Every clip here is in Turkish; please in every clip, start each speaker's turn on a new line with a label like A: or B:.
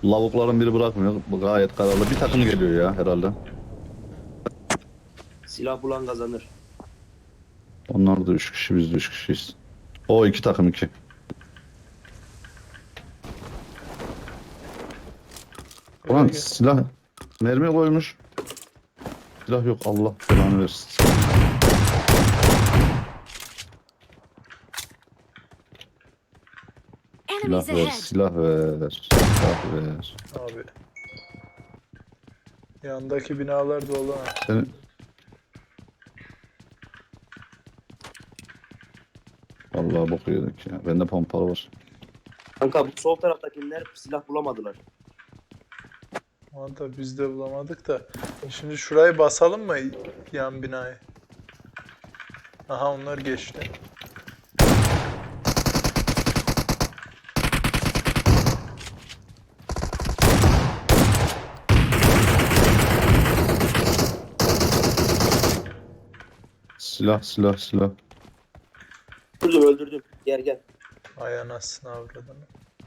A: Lavukların biri bırakmıyor. Bu gayet kararlı. Bir takım geliyor ya herhalde.
B: Silah bulan kazanır.
A: Onlar da 3 kişi, biz de 3 kişiyiz. O iki takım iki. Ulan
C: Gel.
A: silah mermi koymuş. Silah yok, Allah belanı versin.
D: Enemies
A: Silah ver,
D: ahead.
A: silah ver. Silah ver.
C: Abi. Yandaki binalar dolu ha.
A: Seni... Vallahi bok yedik ya. Bende pompalı var.
B: Kanka bu sol taraftakiler silah bulamadılar.
C: Valla biz de bulamadık da. Şimdi şurayı basalım mı yan binayı? Aha onlar geçti.
A: Silah, silah, silah.
B: Öldürdüm. Gel.
C: Ay anasını avradını.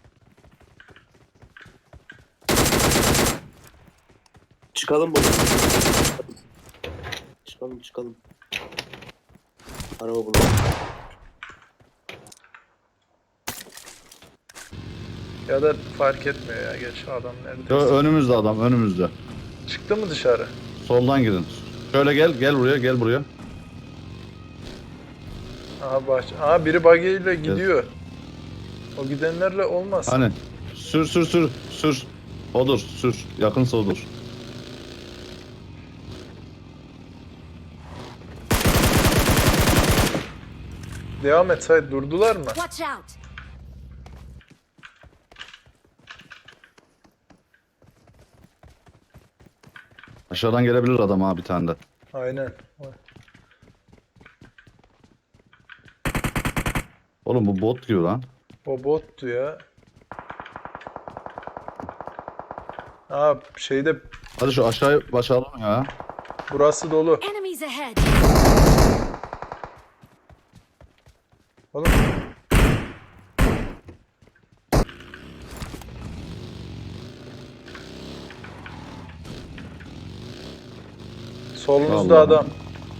B: Çıkalım buradan. Çıkalım. Araba bulalım.
C: Ya da fark etmiyor ya, geç adam nerede?
A: Önümüzde adam, önümüzde.
C: Çıktı mı dışarı?
A: Soldan gidin. Şöyle gel buraya, gel buraya.
C: Aha Aha biri buggy ile gidiyor. O gidenlerle olmaz.
A: Hani sür. Odur, sür. Yakınsa odur.
C: Devam et Sait, durdular mı?
D: Watch out.
A: Aşağıdan gelebilir adam ha, bir tane de.
C: Aynen.
A: Oğlum bu bot gibi lan.
C: O bottu ya. Aa şeyde
A: Hadi şu aşağıya başlayalım ya.
C: burası dolu.
D: Enemies ahead.
C: Oğlum. Solunuzda
A: Vallahi.
C: adam.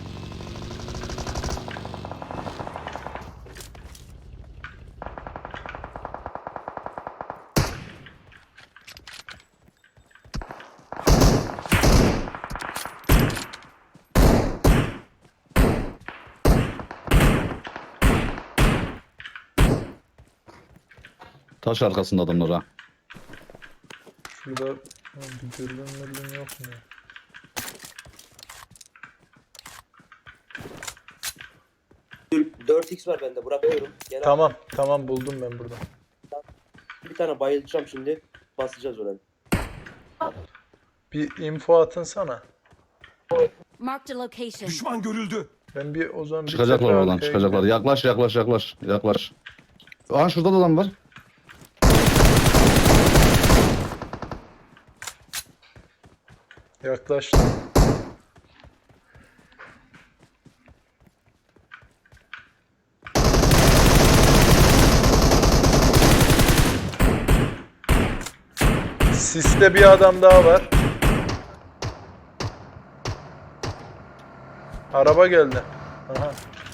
A: Taş arkasında adamlar ha.
C: Şurada bir dürbün yok mu?
B: 4x var bende, bırakıyorum. Gel
C: Tamam buldum ben burada.
B: bir tane bayılacağım şimdi. Basacağız oraya.
C: Bir info atın sana.
D: Marked a location.
E: Düşman görüldü.
C: Ben bir o zaman
A: Çıkacaklar
C: tepe
A: oradan,
C: arkaya
A: çıkacaklar.
C: gideyim.
A: Yaklaş. Aha şurada da adam var.
C: Yaklaştım. Siste bir adam daha var. Araba geldi. Aha.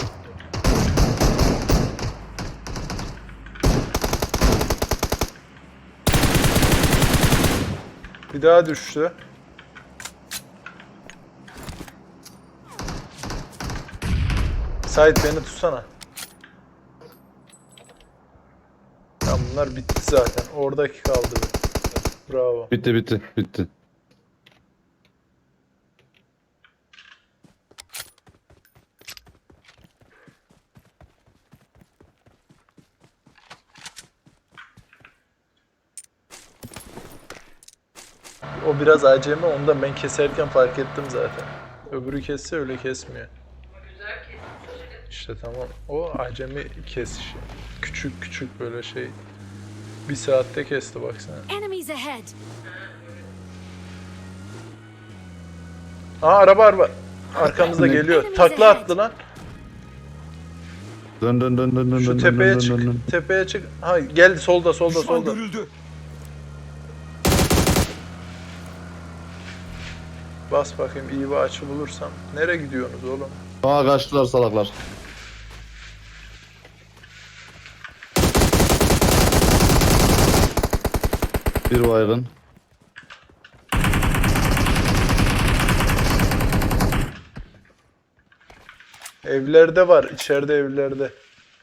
C: Bir daha düştü. Sait beni tutsana. Tamam bunlar bitti zaten. Oradaki kaldı. Bravo.
A: Bitti.
C: O biraz acemi, onu da ben keserken fark ettim zaten. Öbürü kesse öyle kesmiyor. İşte tamam. O acemi kesişi. Küçük böyle şey. Bir saatte kesti baksana.
D: Enemies ahead.
C: Aa araba. Arkamızda geliyor. Takla attı lan.
A: Dön.
C: Şu tepeye çık. Tepeye çık. Ha geldi solda.
E: Düşman görüldü.
C: Bas bakayım iyi bir açı bulursam. Nereye gidiyorsunuz oğlum?
A: Aa kaçtılar salaklar. Bir baygın.
C: Evlerde var. İçeride evlerde.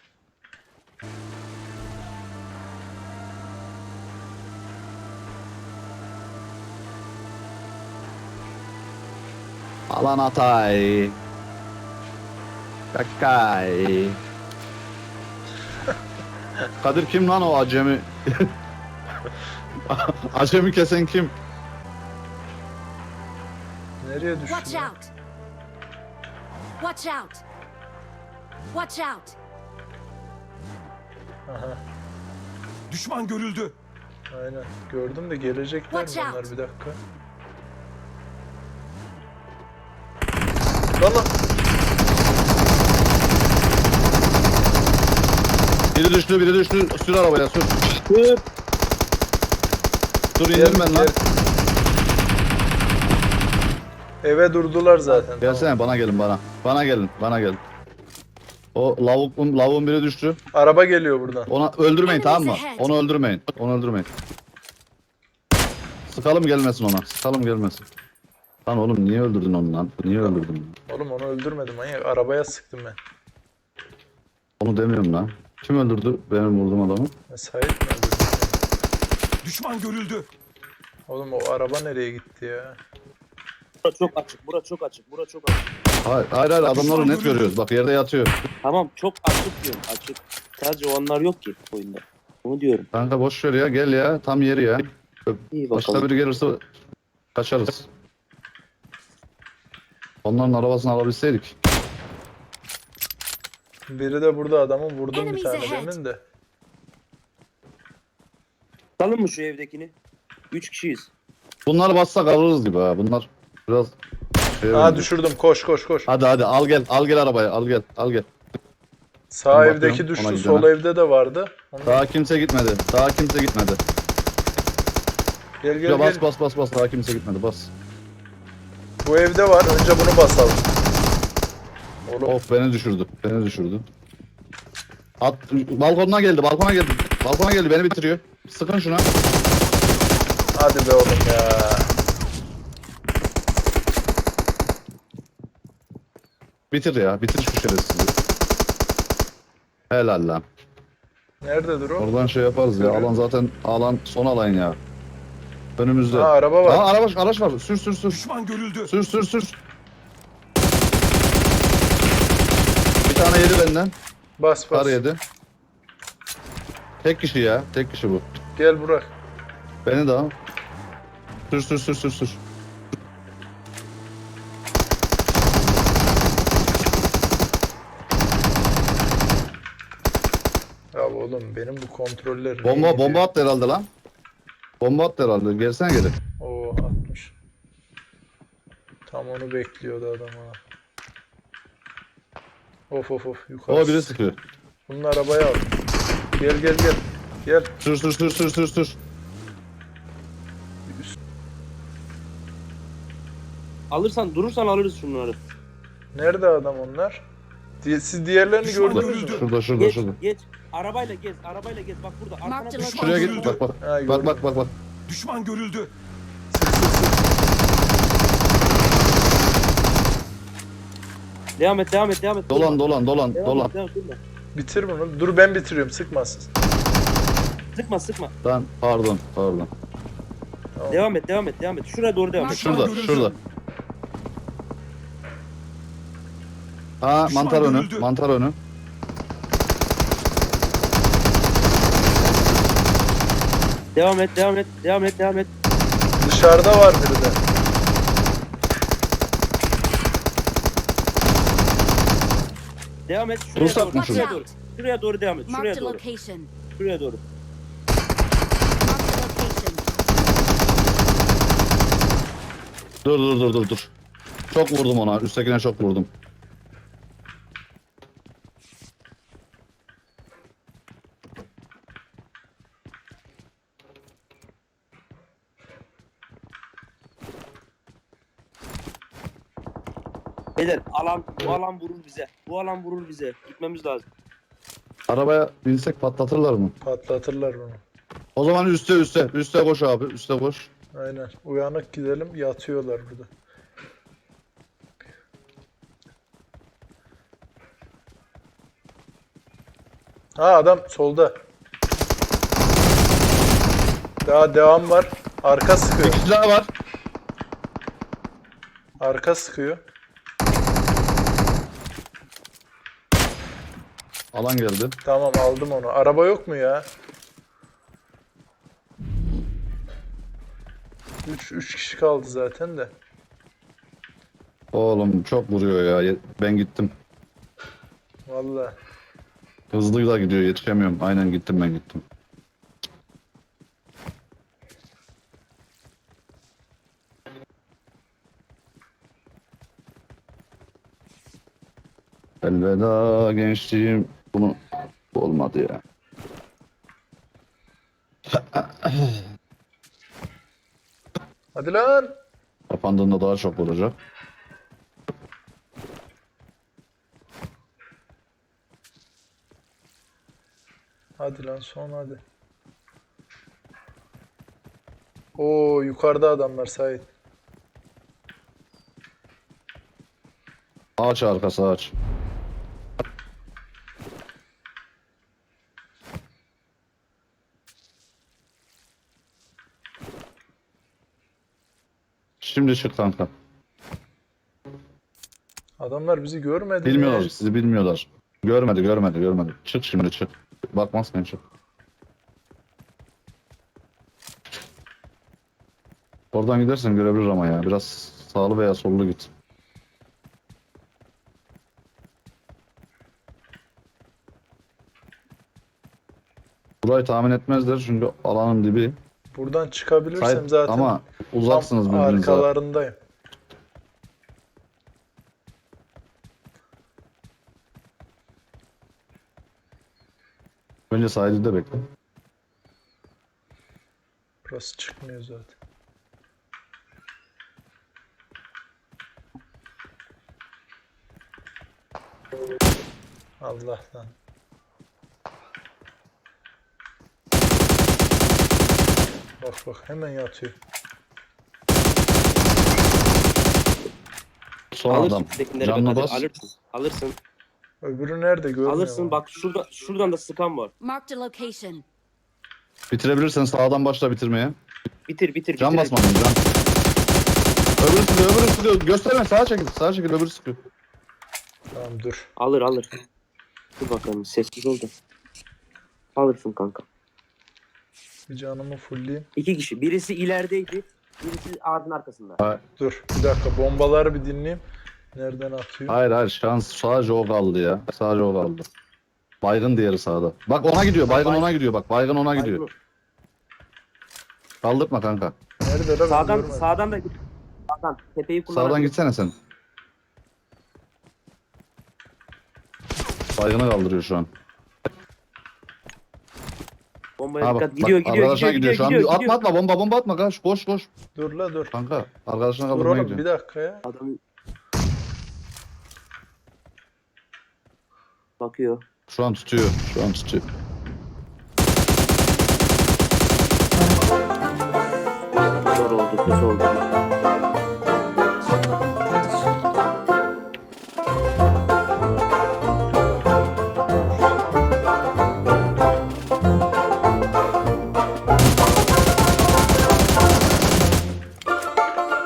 A: Alan Atay. Kakay. Kadir kim lan o acemi? Acemi kesen kim?
C: Nereye
D: Watch
C: düştü?
D: out! Watch out! Watch out!
C: Aha.
E: Düşman görüldü.
C: Aynen. Gördüm de gelecekler mi
D: Watch
C: onlar
D: out.
C: bir dakika. Lan lan.
A: Biri düştü, biri düştü. Sür arabaya, sür.
B: Dur.
A: Dur indim ben lan.
C: Eve durdular zaten. Tamam.
A: Gelsene bana gelin bana. Bana gelin, bana gelin. O lavuğun biri düştü.
C: Araba geliyor buradan.
A: Ona öldürmeyin, tamam mı?
D: Enemies ahead.
A: Onu öldürmeyin. Onu öldürmeyin. Sıkalım gelmesin ona. Sıkalım gelmesin. Lan oğlum niye öldürdün onu lan? Niye öldürdün?
C: Oğlum onu öldürmedim manyak. Arabaya sıktım ben.
A: Onu demiyorum lan. Kim öldürdü benim vurduğum adamı?
C: Sait mi öldürdü?
E: Düşman görüldü.
C: Oğlum o araba nereye gitti ya?
B: Bura çok açık. Bura çok açık. Bura çok açık.
A: Hayır adamları net görüyoruz. Bak yerde yatıyor.
B: Tamam çok açık diyorum. Açık. Sadece onlar yok ki oyunda. Onu diyorum.
A: Kanka boş ver ya gel ya. Tam yeri ya.
B: İyi
A: Başka
B: bakalım.
A: biri gelirse kaçarız. Onların arabasını alabilseydik.
C: Biri de burada adamı vurdum bir
D: Enemies
C: tane
D: ahead.
C: demin de.
B: Tutalım mı şu evdekini? 3 kişiyiz.
A: Bunları bassak alırız gibi ha. Bunlar biraz şey
C: Aa
A: oldu.
C: düşürdüm koş koş koş.
A: Hadi al gel arabaya al gel.
C: Sağ
A: Ben
C: evdeki
A: bakıyorum,
C: düştü
A: ona
C: sol
A: gidene.
C: evde de vardı. Onu...
A: Daha kimse gitmedi.
C: Gel gel
A: Ya
C: gel.
A: bas daha kimse gitmedi bas.
C: Bu evde var önce bunu basalım. Oğlum
A: Of beni düşürdü. Balkona geldi beni bitiriyor. Sıkın şuna.
C: hadi be oğlum ya.
A: Bitir şu şerefsizi. Helal lan.
C: Nerededir o?
A: Oradan şey yaparız ya. Alan son alan ya. Önümüzde.
C: Ha araba var.
A: Aa araç var. Sür.
E: Düşman görüldü.
A: Sür. Bir tane yedi benden.
C: Bas bas.
A: Kar yedi. Tek kişi bu.
C: Gel Burak.
A: Beni de al. Sür.
C: Ya oğlum benim bu kontroller
A: Bomba attı herhalde lan. Gelsene geri.
C: Oo atmış. Tam onu bekliyordu adam ha. Of yukarı.
A: O biri sıkıyor.
C: Bunun arabaya al. Gel. Gel.
A: Sür.
B: Durursan alırız şunları.
C: Nerede adam onlar? Siz diğerlerini
E: Düşman
C: gördünüz mü?
E: görüldü.
A: Şurada.
B: Geç. Arabayla gez. Bak burada.
D: Mark
B: Arkana
D: the
B: düş.
D: location.
A: Şuraya git bak.
C: Ha, gördüm.
A: Bak.
E: Düşman görüldü.
B: Devam et.
A: Dolan.
B: Devam et. Durma.
C: Bitir bunu. Dur ben bitiriyorum sıkmasın.
B: Sıkma.
A: Lan pardon.
B: Devam et. Şuraya doğru devam et.
A: Şurada. Ha
E: Düşman
A: mantar önü.
B: Devam et.
C: Dışarıda var biri de.
B: Devam et.
A: Dursak mı
D: Watch
A: şurada?
D: out!
B: Şuraya doğru devam et.
D: Marked a location.
B: Şuraya doğru.
D: Marked a location.
A: Dur. Çok vurdum ona. Üsttekine çok vurdum.
B: Beyler bu alan vurur bize. Bu alan vurur bize. Gitmemiz lazım.
A: Arabaya binsek patlatırlar mı?
C: Patlatırlar bunu.
A: O zaman üste koş abi, üste koş.
C: Aynen. Uyanık gidelim. Yatıyorlar burada. Ha adam solda. Daha devam var. Arka sıkıyor.
A: İki daha var.
C: Arka sıkıyor.
A: Alan geldi.
C: Tamam aldım onu. Araba yok mu ya? 3 kişi kaldı zaten de.
A: Oğlum çok vuruyor ya. Ben gittim.
C: Vallahi.
A: Hızlı da gidiyor, yetişemiyorum. Aynen gittim, ben gittim. Elveda gençliğim. Bunu olmadı ya.
C: Hadi lan.
A: Kapandığında daha çok olacak.
C: Hadi lan son hadi. Oo yukarıda adamlar Sait.
A: Ağaç arkası ağaç. Şimdi çık kanka.
C: Adamlar bizi görmedi
A: Bilmiyorlar,
C: mi?
A: sizi bilmiyorlar. Görmedi. Çık şimdi çık. Bakmazken çık. Oradan gidersen görebilir ama ya. Biraz sağlı veya sollu git. Burayı tahmin etmezler çünkü alanın dibi.
C: Buradan çıkabilirsem
A: Sait,
C: zaten
A: ama uzaksınız
C: tam
A: birbirinize.
C: arkalarındayım.
A: Önce sahilde bekle.
C: Burası çıkmıyor zaten. Allah'tan. Bak hemen yatıyor.
A: Son
B: Alırsın
A: adam.
B: tekinleri
A: Canına
B: Kadir,
A: bas.
B: Alırsın.
C: Öbürü nerede görmüyorum.
B: Alırsın.
C: ama.
B: Bak şuradan da sıkan var.
D: Marked a location.
A: Bitirebilirsen sağdan başla bitirmeye.
B: Bitir.
A: Can
B: bitir.
A: basmadın can. Öbürü sıkıyor. Gösterme, sağa çekil öbürü sıkıyor.
C: Tamam dur.
B: Alır. Dur bakalım sessiz ol da. Alırsın kanka.
C: Bir canımı fullleyeyim.
B: 2 kişi. Birisi ilerideydi. Birisi ağacın arkasında.
C: Dur bir dakika bombaları bir dinleyeyim. Nereden atıyor?
A: Hayır şans sadece o kaldı ya. Sadece o kaldı. Baygın diğeri sağda. Bak ona gidiyor. Baygın ona gidiyor bak. Baygın ona gidiyor. Kaldırma kanka.
C: Nerede lan? Ben
B: Sağdan
C: görmedim.
B: sağdan da git. Sağdan tepeyi kullan.
A: Sağdan gitsene sen. Baygını kaldırıyor şu an.
B: Bombaya
A: Ha
B: dikkat.
A: bak,
B: Gidiyor.
A: arkadaşına gidiyor şu an. Atma bomba atma kaç koş.
C: Dur la dur.
A: Kanka arkadaşına
C: Dur
A: kaldırmaya
C: oğlum
A: gidiyor.
C: bir dakika ya.
B: Adam bakıyor.
A: Şu an tutuyor.
B: Zor oldu. Kötü oldu.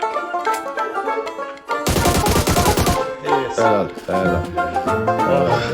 C: İyi.
A: Helal.
C: Ah.